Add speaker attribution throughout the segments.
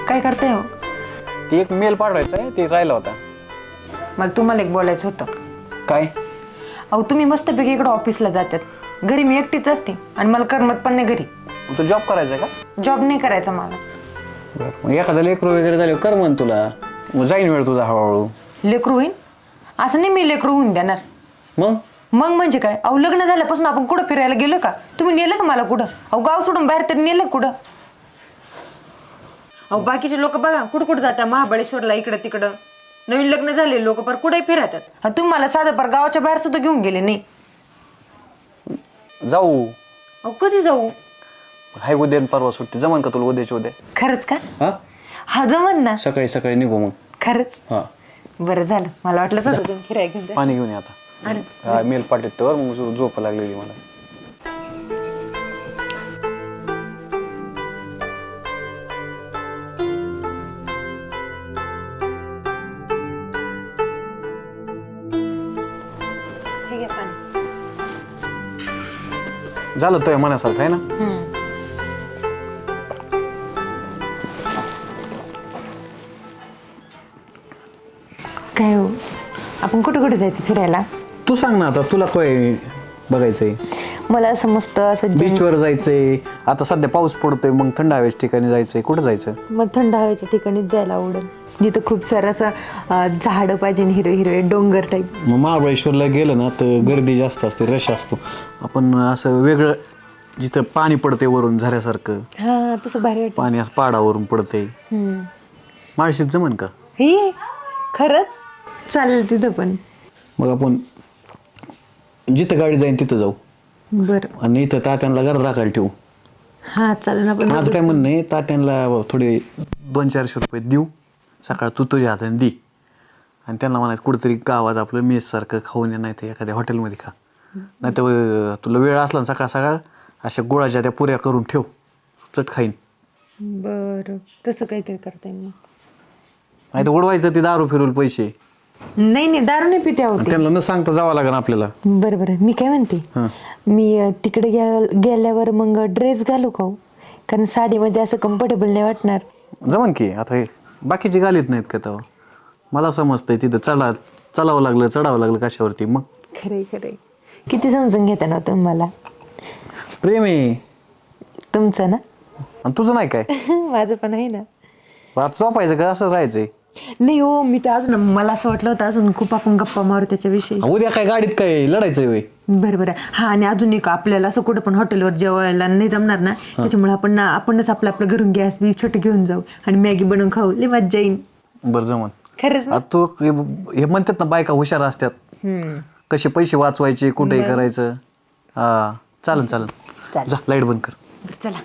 Speaker 1: काय करताय हो?
Speaker 2: ती एक मेल पाठवायचा आहे, ते राहिला होता.
Speaker 1: मला तुम्हाला एक बोलायचं होतं.
Speaker 2: काय?
Speaker 1: अहो तुम्ही मस्तपैकी इकडं ऑफिसला जातात, घरी मी एकटीच असते आणि मला करमत पण नाही घरी.
Speaker 2: तू जॉब करायचा आहे का?
Speaker 1: जॉब नाही करायचा मला.
Speaker 2: मग एखादा लेकरू वगैरे झाले कर म्हण तुला, मग जाईन वेळ तुझा हळूहळू.
Speaker 1: लेकरू होईन असं नाही, मी लेकरू होऊन देणार.
Speaker 2: मग
Speaker 1: म्हणजे काय? अहो लग्न झाल्यापासून आपण कुठं फिरायला गेलो का? तुम्ही नेलं का मला कुठं? अहो गाव सोडून बाहेर तरी नेलं कुठं? अहो बाकीचे लोक बघा कुठं जातात, महाबळेश्वरला इकडं तिकडं. नवीन लग्न झाले लोक पर कुठेही फिरतात. तुम्ही मला साधं पर गावाच्या बाहेर सुद्धा घेऊन गेले नाही.
Speaker 2: जाऊ.
Speaker 1: अहो कधी जाऊ?
Speaker 2: हाय उद्या परवा सुट्टी, जमन का तुला उद्याची उद्या?
Speaker 1: खरंच का?
Speaker 2: हा
Speaker 1: हा जमन ना.
Speaker 2: सकाळी सकाळी निघू मग.
Speaker 1: खरंच?
Speaker 2: हा
Speaker 1: बरं झालं, मला वाटलंच होतं तुम्ही फिरायला घेऊन जा.
Speaker 2: पाणी घेऊन ये आता. मेल पाठवत तर मग झोप लागलेली मला.
Speaker 1: हे घ्या पाणी.
Speaker 2: झालं तुझ्या मनासारखं आहे ना?
Speaker 1: काय हो, आपण कुठे कुठे जायचं फिरायला?
Speaker 2: तू सांग ना आता, तुला काय बघायचंय?
Speaker 1: मला असं मस्त असं
Speaker 2: बीचवर जायचंय, आता सध्या पाऊस पडतोय, मग थंड हवेच्या ठिकाणी जायचंय. कुठं जायचं?
Speaker 1: मग थंड हवेच्या ठिकाणीच जायला आवडेल, जिथं खूप सारं असं झाडं पाहिजे, हिरवे हिरवे डोंगर टाईप.
Speaker 2: मग महाबळेश्वरला गेलं ना तर गर्दी जास्त असते, रश असतो. आपण असं वेगळं जिथं पाणी पडते वरून झऱ्यासारखं,
Speaker 1: हा तसं भारी वाटतं.
Speaker 2: पाणी असं पहाडावरून पडते. माळशीत जमन का?
Speaker 1: हे खरंच चालेल तिथं पण.
Speaker 2: मग आपण जिथं गाडी जाईन तिथं जाऊ.
Speaker 1: बरं
Speaker 2: आणि इथं तात्यांना घरात राखायला ठेवू.
Speaker 1: हा चालेल ना. पण
Speaker 2: माझं काय म्हणणं आहे, तात्यांना थोडे 200-400 रुपये देऊ, सकाळ तू तुझ्या हाताने दे, आणि त्यांना म्हणायचं कुठेतरी गावात आपलं मेससारखं खाऊन ये, नाही तर एखाद्या हॉटेलमध्ये खा. नाही तर तुला वेळ असला ना सकाळ सकाळ अशा गुळाच्या त्या पुऱ्या करून ठेव, चट खाईन.
Speaker 1: बरं तसं काहीतरी करता येईल.
Speaker 2: नाही तर उडवायचं ते दारू फिरवून पैसे.
Speaker 1: नाही नाही दारू नाही पिते होते.
Speaker 2: त्यांना न सांगता जावं लागेल आपल्याला.
Speaker 1: बरं बरं, मी काय म्हणते, मी तिकडे गेल्यावर मग ड्रेस घालू का? कारण साडीमध्ये असं कम्फर्टेबल नाही वाटणार.
Speaker 2: जमन की. आता हे बाकीची घालीत नाहीत का तेव्हा? मला समजतंय तिथं चढावं लागलं कशावरती. मग
Speaker 1: खरंय खरंय. किती समजून घेता ना तुम्ही मला.
Speaker 2: प्रेम आहे
Speaker 1: तुमचं ना.
Speaker 2: आणि तुझं नाही काय?
Speaker 1: माझं पण आहे ना.
Speaker 2: आता झोपायचं का असं राहायचंय?
Speaker 1: नाही हो, मी तर अजून मला असं वाटलं होतं अजून खूप आपण गप्पा मारू त्याच्याविषयी.
Speaker 2: उद्या काय गाडीत काय लढायचंय वय?
Speaker 1: बरं बरं. हा आणि अजून एक आपल्याला असं कुठं पण हॉटेलवर जेवायला नाही जमणार ना, त्याच्यामुळे आपणच आपलं घरून गॅस बी छोटे घेऊन जाऊ आणि मॅगी बनवून खाऊ, लय मज्जा येईल.
Speaker 2: बरं जमन.
Speaker 1: खरंच.
Speaker 2: आता तू हे म्हणतात ना बायका हुशार असतात, कसे पैसे वाचवायचे, कुठेही करायचं. हा चालन जा, लाईट बंद कर.
Speaker 1: चला.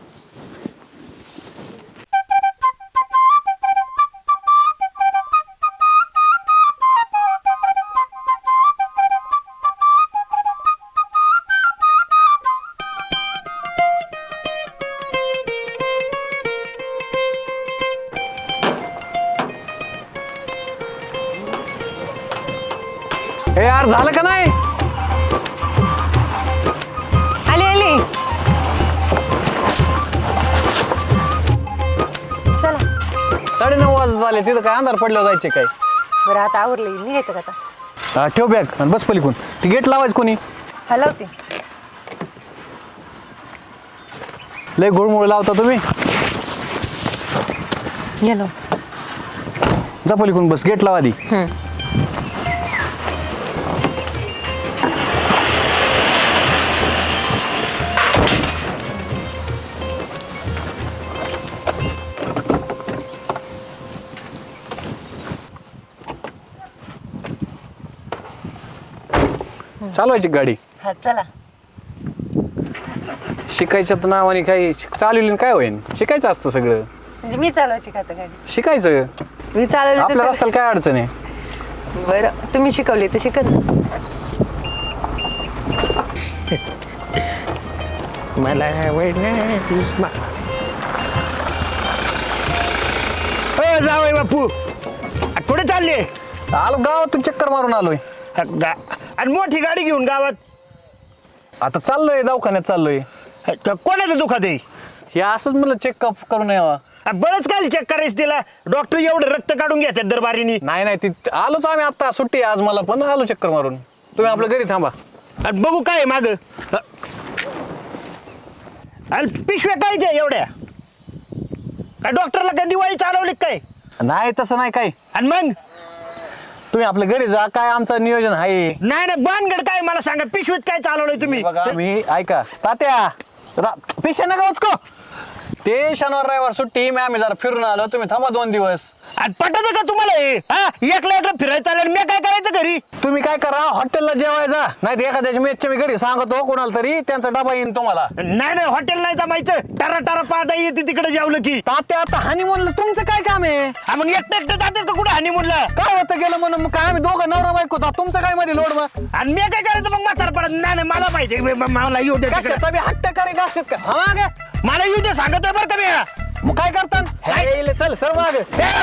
Speaker 2: हे यार झालं का नाही?
Speaker 1: आली चला.
Speaker 2: 9:30 वाजत आले, तिथं काय अंधार पडल्यावर जायचे काय?
Speaker 1: बरं आता आवरले, निघायचं का आता?
Speaker 2: हा ठेव बॅग आणि बस पलीकडून. ती गेट लावायचं कोणी?
Speaker 1: हलवते.
Speaker 2: लय गुळमुळ लावता तुम्ही.
Speaker 1: गेलो.
Speaker 2: जा पलीकडून बस, गेट लावा आधी. चालवायची गाडी.
Speaker 1: हा चला.
Speaker 2: शिकायच्या तर नावाने काही चालवली काय होईन? शिकायचं असतं सगळं.
Speaker 1: म्हणजे मी चालवायची का आता गाडी?
Speaker 2: शिकायचं.
Speaker 1: मी चालवली
Speaker 2: आपल्या रस्त्याला काय अडचण आहे?
Speaker 1: बरं तुम्ही शिकवली तर शिकत.
Speaker 3: मला जावय बापू, कुठे चालले?
Speaker 2: आलो गावातून चक्कर मारून आलोय.
Speaker 3: आणि मोठी गाडी घेऊन गावात
Speaker 2: आता चाललोय, दवाखान्यात चाललोय.
Speaker 3: कोणाचं दुखत आहे?
Speaker 2: हे असंच मला चेकअप करून यावा.
Speaker 3: बरंच काय चेक करायचं तिला डॉक्टर एवढं रक्त काढून घेतात दरबारीनी
Speaker 2: नाही नाही ती आलोच आम्ही आता सुट्टी आहे आज मला पण आलो चक्कर मारून तुम्ही आपल्या घरी थांबा
Speaker 3: आणि बघू काय माग आणि पिशव्या कायच्या एवढ्या काय डॉक्टरला काय दिवाळी चालवली काय
Speaker 2: नाही तसं नाही काय
Speaker 3: आणि मग
Speaker 2: तुम्ही आपल्या घरी जा काय आमचं नियोजन आहे
Speaker 3: नाही नाही बानगड काय मला सांगा पिशवीत काय चालवलंय तुम्ही
Speaker 2: बघा मी ऐका तात्या पेशा नका उचको ते शनिवार रविवार सुट्टी मी आम्ही जरा फिरून आलो तुम्ही थांबा 2 दिवस
Speaker 3: आणि पटत का तुम्हाला हे हा एकला एकला फिरायचं चालेल मी काय करायचं घरी
Speaker 2: तुम्ही काय करा हॉटेलला जेवायचा नाही तर एखाद्याच्या मेसच्या मी घरी सांगतो कोणाला तरी त्यांचा डबा येईन तुम्हाला
Speaker 3: नाही नाही हॉटेल नाही जमायचं टारा टारा पाहता येते तिकडे जेवलं की
Speaker 2: तात्या आता हनीमूनला तुमचं काय काम आहे
Speaker 3: हा मग एकटं एकटं जातात का कुठे हानी म्हणलं
Speaker 2: काय होतं गेलं म्हणून मग काय आम्ही दोघं नवरा बायको होता तुमचं काय मध्ये लोड मग
Speaker 3: आणि मी काय करायचं मग म्हातार पडत नाही नाही मला माहिती आहे, मला येऊ दे तिकडे.
Speaker 2: कशाचा बी हट्ट करीत असतात का हा मागे
Speaker 3: मला येऊ दे सांगतोय बरं का मी
Speaker 2: मग काय करतात हे, चल सर मागे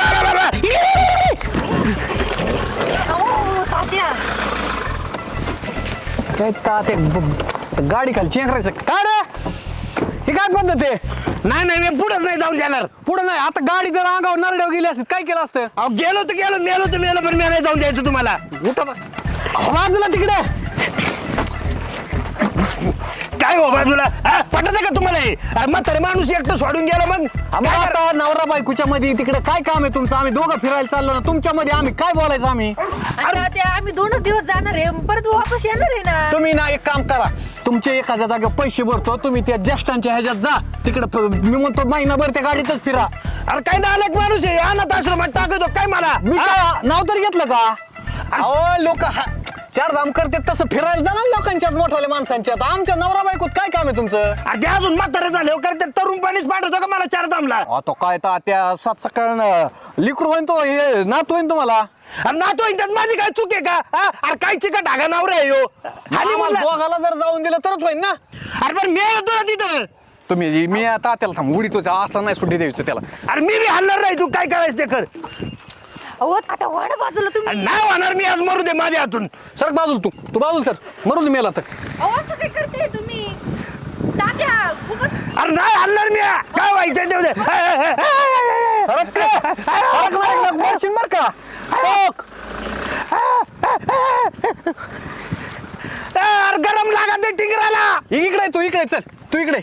Speaker 2: काय तात्या गाडी खाली चेंगरायचं काय रे हे काय पद्धत आहे
Speaker 3: नाही नाही मी पुढेच नाही जाऊन जाणार
Speaker 2: पुढे नाही आता गाडी जर अंगावर नरड्यावर गेली असती काय केलं असतं
Speaker 3: अहो गेलो तर गेलो मेलो तर मेलो पण मी नाही जाऊन द्यायचं तुम्हाला
Speaker 2: बाजूला तिकडे
Speaker 3: काय हो बाजूला पटत का तुम्हाला हे म्हातारे माणूस एकटं सोडून गेला मग
Speaker 2: आम्ही आता नवरा बायकोच्या मध्ये तिकडे काय काम आहे तुमचं आम्ही दोघं फिरायला चाललो ना तुमच्या मध्ये आम्ही काय बोलायचं आम्ही
Speaker 1: आता ते आम्ही 2 दिवस जाणार आहे परत वापस येणार आहे ना
Speaker 2: तुम्ही ना एक काम करा तुमचे एखाद्या जागेवर पैसे भरतो तुम्ही त्या ज्येष्ठांच्या ह्याच्यात जा तिकडे मी म्हणतो महिनाभर त्या गाडीतच फिरा
Speaker 3: अरे काय नालायक माणूस आहे अनाथ आश्रमात टाकतो काय मला
Speaker 2: मी काय नाव तरी घेतलं का अहो लोक चार धाम करते तसं फिरायला जाणार लोकांच्यात मोठ्याल्या माणसांच्यात आमच्या नवरा बायकोत काय काम आहे तुमचं
Speaker 3: ते अजून म्हातारे झाले करते तरुण पाणीच पाठवतो का मला 4 दामला
Speaker 2: आता काय तर त्या 7 सकाळ लिक्विड होईन तो हे नात होईन तुम्हाला
Speaker 3: अरे नातो त्यात माझी काय चूक आहे का अरे काय चिकट धागा नावर आहे हो आणि
Speaker 2: आम्हाला दोघाला जर जाऊन दिलं तरच होईन ना
Speaker 3: अरे पण मी येतो ना तिथं
Speaker 2: तुम्ही मी आता त्याला थांब उडीतो असं नाही सुट्टी द्यायचं त्याला
Speaker 3: अरे मी बी हलणार नाही तू काय करायचं ते कर
Speaker 1: अहो आता वाढ बाजूला तुम्ही
Speaker 3: अरे नाही होणार मी आज मरू दे माझ्या हातून
Speaker 2: सर बाजूल तू बाजूल सर मरू दे मेला तर
Speaker 1: अहो असं काय करते तुम्ही तात्या खूपच
Speaker 3: अरे नाही हलणार मी काय व्हायचं ते उद्या.
Speaker 2: मरशील बर का टोक.
Speaker 3: अरे गरम लागत ते टिंगराला
Speaker 2: इकडे तू इकडे चल तू इकडे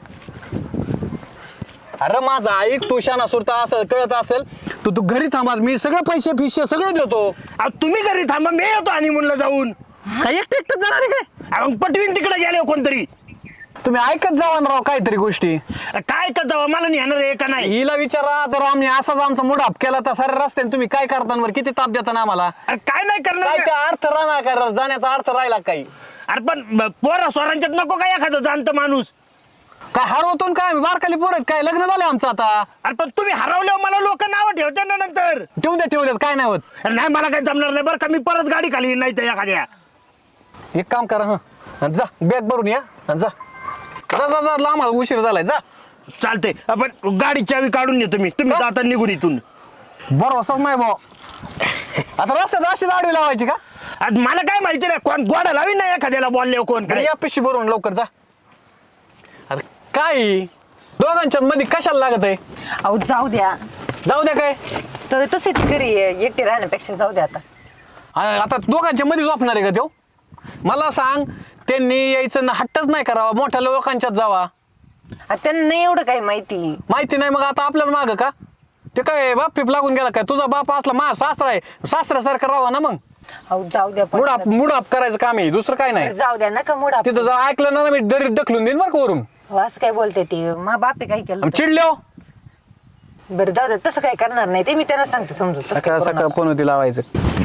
Speaker 2: अरे माझा ऐक तू शाना सुरता असं कळत असेल तू घरी थांबा मी सगळं पैसे फिशे सगळं देतो
Speaker 3: अहो, तुम्ही घरी थांबा मी येतो आणि म्हणलं जाऊन
Speaker 2: काय एकटं एकटं जाणार आहे काय
Speaker 3: मग पटवीन तिकडे गेले कोणतरी
Speaker 2: तुम्ही ऐकत जावा ना राव काहीतरी गोष्टी
Speaker 3: काय का जावं मला नेणार आहे का नाही
Speaker 2: हिला विचारा जर आम्ही असाच आमचा मुडाप केला तर सारे रस्त्याने तुम्ही काय करताना किती ताप देता ना आम्हाला
Speaker 3: अरे काय नाही
Speaker 2: काय
Speaker 3: करणार
Speaker 2: त्या अर्थ राहणार का जाण्याचा अर्थ राहिला काही
Speaker 3: अरे पण पोरा स्वरांच्यात नको काय एखादं जाणतं माणूस
Speaker 2: काय हरवतो न काय आम्ही बारकाली पोरत काय लग्न झालं आमचं आता
Speaker 3: अरे पण तुम्ही हरवल्यावर मला लोक नाव ठेवते ना नंतर
Speaker 2: ठेवलेत काय नाही होत
Speaker 3: अरे नाही मला काही जमणार नाही बरं का मी परत गाडी खाली नाही तर एखाद्या
Speaker 2: एक काम करा हं जा बॅग भरून या आणि जा जा जा जा लांब उशीर झालाय जा
Speaker 3: चालते आपण गाडी चावी काढून येतो मी तुम्ही जाता निघून इथून
Speaker 2: बरोबर असंच नाही भाऊ आता रस्त्यात अशी आडवी लावायची का
Speaker 3: आज मला काय माहिती नाही कोण गोडा लावी नाही एखाद्याला बोलले कोण काय
Speaker 2: या पिशी भरून लवकर जा आता काय दोघांच्या मध्ये कशाला लागत आहे
Speaker 1: अहो जाऊ द्या
Speaker 2: जाऊ द्या काय
Speaker 1: तर तसे ती घरी एकटे राहण्यापेक्षा जाऊ द्या आता
Speaker 2: आता दोघांच्या मध्ये झोपणार आहे का तो मला सांग त्यांनी यायचं हट्टच नाही करावा मोठ्या लोकांच्यात जावा
Speaker 1: आता त्यांना नाही एवढं काही माहिती
Speaker 2: नाही मग आता आपल्याला माग का ते काय बाप पिप लागून गेला काय तुझा बाप असला मा सासरा आहे सासऱ्यासारखं राहावा ना मग
Speaker 1: अहो जाऊ द्या
Speaker 2: मुडाप करायचं काम आहे दुसरं काय नाही
Speaker 1: जाऊ द्या नका मुडा
Speaker 2: तिथं जर ऐकलं ना मी दरीत ढकलून देईन बरं का वरून
Speaker 1: असं काय बोलते ते मग बापे काही केलं
Speaker 2: आम्ही चिडलो
Speaker 1: बरं जाऊ द्या तसं काय करणार नाही ते मी त्यांना सांगते समजू तसं काय करू
Speaker 2: सकाळ
Speaker 1: नका.
Speaker 2: फोन होती लावायचं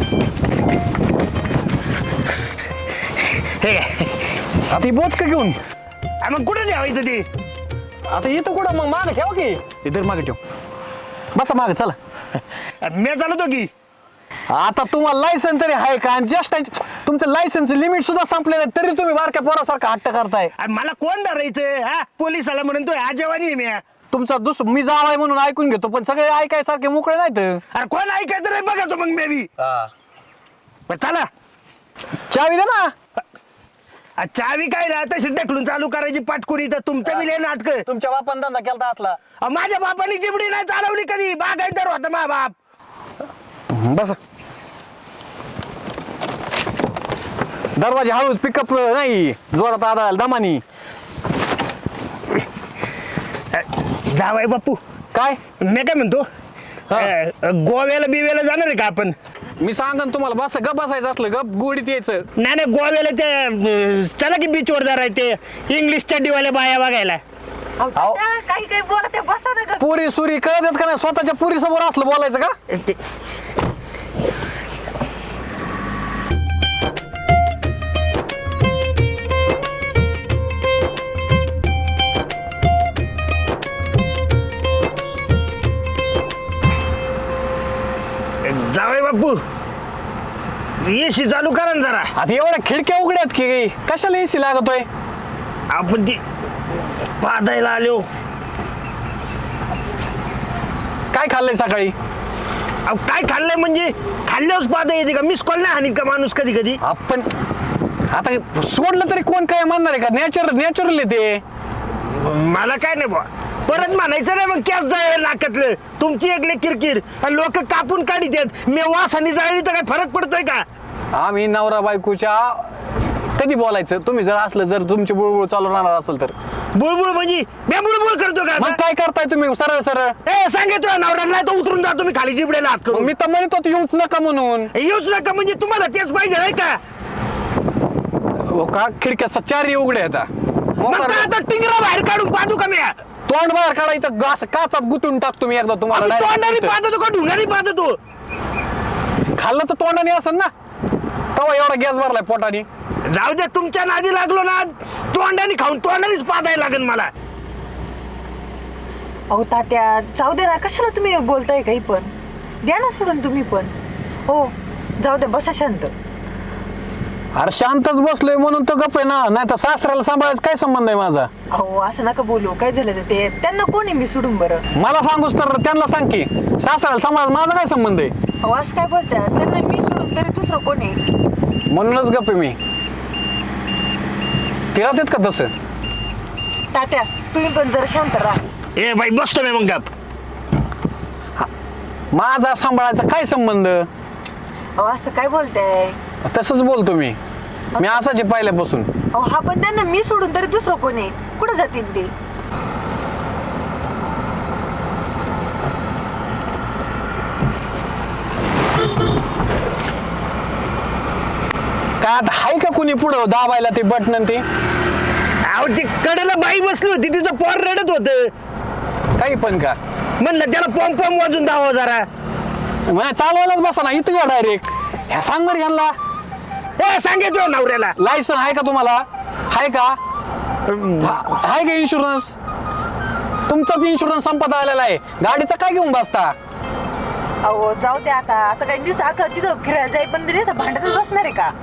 Speaker 3: हे
Speaker 2: आता ही बोच का घेऊन
Speaker 3: मग कुठे ठेवायचं ते
Speaker 2: आता इथं कुठं मग मागे ठेव की इधर मागे ठेव बसा मागे चला
Speaker 3: मी चालवतो की
Speaker 2: आता तुम्हाला लायसन तरी आहे का आणि जस्ट तुमचं लायसनचं लिमिट सुद्धा संपलेलं आहे तरी तुम्ही बारक्या पोरासारखं हट्ट करताय
Speaker 3: अरे मला कोण धरायचं हा पोलिसाला म्हणून तो ह्या जेवानी आहे मी
Speaker 2: तुमचा मी जावाय म्हणून ऐकून घेतो पण सगळे ऐकायसारखे मोकळे नाहीत
Speaker 3: अरे कोण ऐकायचं नाही बघा तो मग मे बी चला
Speaker 2: चावी दे ना
Speaker 3: चावी काय ना तशी ढकलून चालू करायची पाटकुरी तर तुमचं बी लय नाटक.
Speaker 2: तुमच्या बापान धंदा केलता असला.
Speaker 3: माझ्या बापाने चिमडी नाही चालवली कधी, बागायतर होता मा बाप.
Speaker 2: बस दरवाजा हळूच, पिकअप नाही जोरात आदळायला दमानी.
Speaker 3: जावाय बापू,
Speaker 2: काय
Speaker 3: मी काय म्हणतो, गोव्याला बिव्याला जाणार आहे का आपण?
Speaker 2: मी सांगन तुम्हाला, बस गप बसायचं असलं गप गोडीत यायचं.
Speaker 3: नाही गोव्याला ते चला की बीचवर जरा ते इंग्लिश चड्डीवाल्या बाया बघायला.
Speaker 2: अहो.
Speaker 1: काही काही बोलत आहे, बसा ना गं.
Speaker 2: पुरी सुरी कळत आहेत का नाही? स्वतःच्या पुरी समोर असलं बोलायचं का?
Speaker 3: जावाय बापू, एसी चालू करा ना जरा.
Speaker 2: आता एवढ्या खिडक्या उघड्यात की कशाला एसी लागतोय?
Speaker 3: आपण ती पादायला आलो.
Speaker 2: काय खाल्लंय सकाळी?
Speaker 3: अहो काय खाल्लंय म्हणजे खाल्ल्यावर पादा येते का? मिस कॉल नाही हानीत का माणूस कधी कधी?
Speaker 2: आपण आता सोडलं तरी कोण काय म्हणणार आहे का? नॅचरल ते.
Speaker 3: मला काय नाही बा, परत म्हणायचं नाही मग कॅस जाय नाकातलं. तुमची एकले किरकिर आणि लोक कापून काढीत आहेत. मी वासाने जाळली तर काय फरक पडतोय का?
Speaker 2: आम्ही नवरा बायकोच्या कधी बोलायचं? तुम्ही जर असलं, जर तुमची बुळबुळ चालू राहणार असेल तर.
Speaker 3: बुळबुळ म्हणजे मी बुळबुळ करतो का
Speaker 2: मग
Speaker 3: आता?
Speaker 2: काय करताय तुम्ही सरळ सरळ?
Speaker 3: ए सांगितलं नवरा नाही तर उतरून जातो मी खाली जिबड्याला हात
Speaker 2: मग
Speaker 3: करून.
Speaker 2: मी तर म्हणत होतो येऊच नका म्हणून.
Speaker 3: येऊच नका म्हणजे तुम्हाला तेच पाहिजे नाही का?
Speaker 2: हो का? खिडक्या चारही उघड्या आता.
Speaker 3: मग काय आता टिंगरा बाहेर काढून पाहतो का मी?
Speaker 2: तोंड बाहेर काढायचं, असं काचात गुतून टाकतो मी एकदा तुम्हाला.
Speaker 3: तोंडाने
Speaker 2: direct.
Speaker 3: पाहतो का ढुंगाने पाहतो तू?
Speaker 2: खाल्लं तर तोंडाने असेल ना, तवा एवढा गॅस भरलाय पोटाने.
Speaker 3: जाऊ दे, तुमच्या नादी लागलो ना तोंडाने खाऊन तोंडानेच पाहायला लागेल मला.
Speaker 1: अहो तात्या, जाऊ दे ना, कशाला तुम्ही बोलताय काही पण? द्या ना सोडून तुम्ही पण. हो जाऊ दे, बसा शांत.
Speaker 2: अरे शांतच बसलोय म्हणून तर गप आहे ना, नाही तर सासऱ्याला सांभाळायचं काय संबंध आहे माझा?
Speaker 1: अहो असं नका बोलू. काय झालं तर ते त्यांना कोणी मी सोडून बरं?
Speaker 2: मला सांगूस तर त्यांना सांग की, सासऱ्याला सांभाळायचं माझा काय संबंध आहे?
Speaker 1: अहो असं काय बोलतात? त्यांना मी सोडून तरी दुसरं कोणी?
Speaker 2: म्हणूनच गप आहे मी. तिला देत का तसं?
Speaker 1: तात्या तुम्ही पण जरा शांत राहा.
Speaker 3: ए बाई बसतो मी मग गप.
Speaker 2: माझा सांभाळायचा काय संबंध?
Speaker 1: अहो असं काय बोलताय?
Speaker 2: तसंच बोलतो मी असाच आहे पहिल्यापासून.
Speaker 1: अहो हा पण त्यांना मी सोडून तरी दुसरं कोणी? कुठं जातील ते?
Speaker 2: काय आता हाय का कुणी पुढं दाबायला ते बटन ते?
Speaker 3: अहो ती कडेला बाई बसली होती, तिचं पोर रडत होतं.
Speaker 2: काही पण का?
Speaker 3: म्हणलं त्याला पॉम पॉम वाजून दावा जरा.
Speaker 2: मला चालवायलाच बसा ना इथं डायरेक्ट. ह्या सांग बरं ह्यांना,
Speaker 3: ए सांगितलं नवऱ्याला.
Speaker 2: लायसन आहे का तुम्हाला? आहे का? आहे का इन्शुरन्स? तुमचाच इन्शुरन्स संपत आलेला आहे, गाडीचा काय घेऊन बसता?
Speaker 1: अहो जाऊ दे आता. आता काही दिवस अख्खं तिथं फिरायला जाई पण तरी भांडतच बसणार आहे का?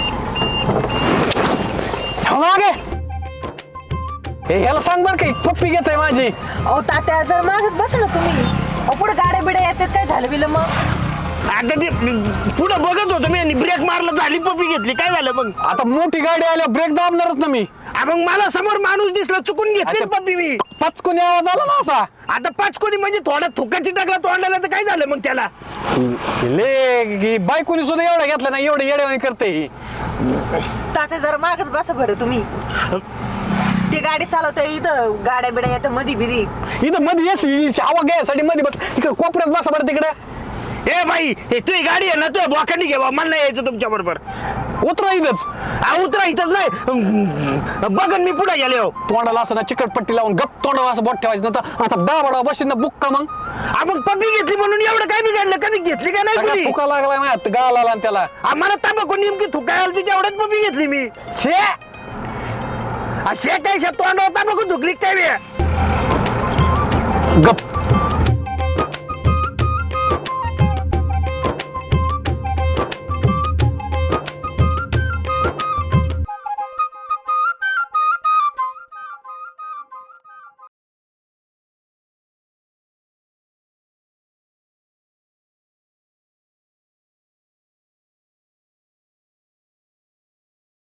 Speaker 2: मागे ह्याला सांग बरं काही पप्पी घेत आहे माझी.
Speaker 1: अहो तात्या जर मागच बसा ना तुम्ही. अहो पुढे गाड्या बिड्या येतात, काय झालं बिलं मग?
Speaker 3: आता ते पुढं बघत होतो मी आणि ब्रेक मारला, झाली पप्पी घेतली, काय झालं मग?
Speaker 2: आता मोठी गाडी आल्या ब्रेक दाबणारच ना मी.
Speaker 3: मग मला समोर माणूस दिसला, चुकून घेतली
Speaker 2: अच्छा.
Speaker 3: पप्पी मी.
Speaker 2: पचकून आवाज आला ना असा.
Speaker 3: आता पाच कोणी म्हणजे थोडा थुकाची टाकला तोंडाला तर काय झालं मग त्याला?
Speaker 2: ले बायकोनी सुद्धा एवढा घेतला ना, एवढं येड्यावानी करते ही.
Speaker 1: तात्या जरा मागच बसा बरं तुम्ही. ती गाडी चालवतोय इथं, गाड्या बिड्या येतात मधी बिधी.
Speaker 2: इथं मध्ये येस हवा घ्यायसाठी मध्ये बस तिकडे कोपऱ्यात बसा बरं तिकडे.
Speaker 3: ए बाई, हे तुझी गाडी आहे ना, तुझ्या बोकांनी घे बा, मला नाही यायचं तुमच्या बरोबर.
Speaker 2: उतरा इथंच.
Speaker 3: उतरा इथंच नाही बघन मी पुढे गेले हो.
Speaker 2: तोंडाला असं ना चिकटपट्टी लावून गप तोंडाला असं बोट ठेवायचं नंतर आता दाबडा बशीन ना बुक्का मग.
Speaker 3: मग पप्पी घेतली म्हणून एवढं काय बिघडलं? कधी घेतली का नाही
Speaker 2: सगळा
Speaker 3: कुणी?
Speaker 2: फुका लागला माझ्या गाळाला आला आणि त्याला.
Speaker 3: आम्हाला तांबाखू नेमकी थुकायला तिच्या एवढ्याच पप्पी घेतली मी.
Speaker 2: शे
Speaker 3: असे काय तोंडावर तांबाखू थुकली काय बे?
Speaker 2: गप